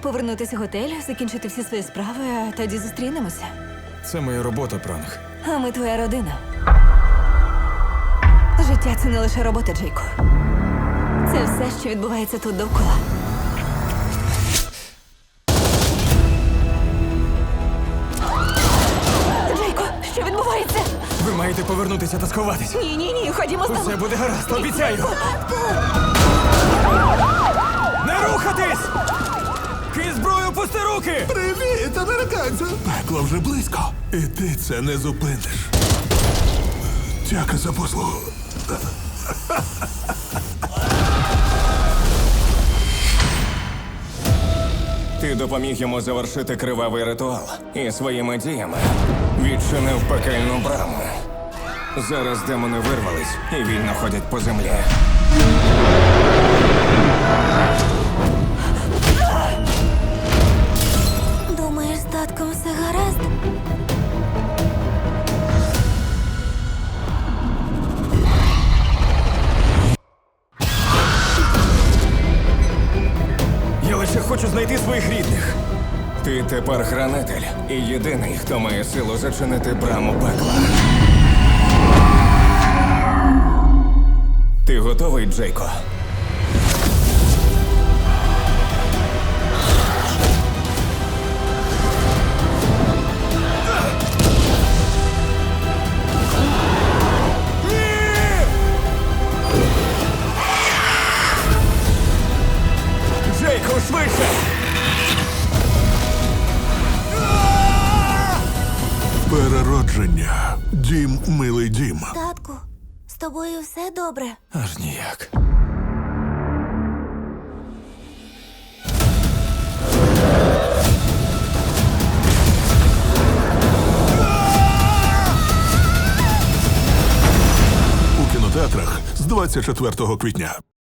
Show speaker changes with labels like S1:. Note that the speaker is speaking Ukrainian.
S1: повернутися в готель, закінчити всі свої справи, а тоді зустрінемося.
S2: Це моя робота, пранк.
S1: А ми твоя родина. Життя – це не лише робота, Джейко. Це все, що відбувається тут довкола. Джейко, що відбувається?
S2: Ви маєте повернутися та сховатись.
S1: Ні, ходімо з тобою.
S2: Усе буде гаразд, обіцяю. Не рухатись! Кинь зброю, пусти руки!
S3: Привіт, американцю! Пекло вже близько. І ти це не зупиниш. Дяка за послугу.
S4: Ти допоміг йому завершити кривавий ритуал і своїми діями відчинив пекельну браму. Зараз демони вирвались і вільно ходять по землі.
S1: Думаєш, з татком все гаразд?
S2: Я лише хочу знайти своїх рідних.
S4: Ти тепер хранитель і єдиний, хто має силу зачинити браму пекла. Ти готовий, Джейко?
S2: Джейко, швидше!
S3: Переродження. Дім, милий дім.
S1: Татку, з тобою все добре?
S2: Аж ніяк.
S3: У кінотеатрах з 24 квітня.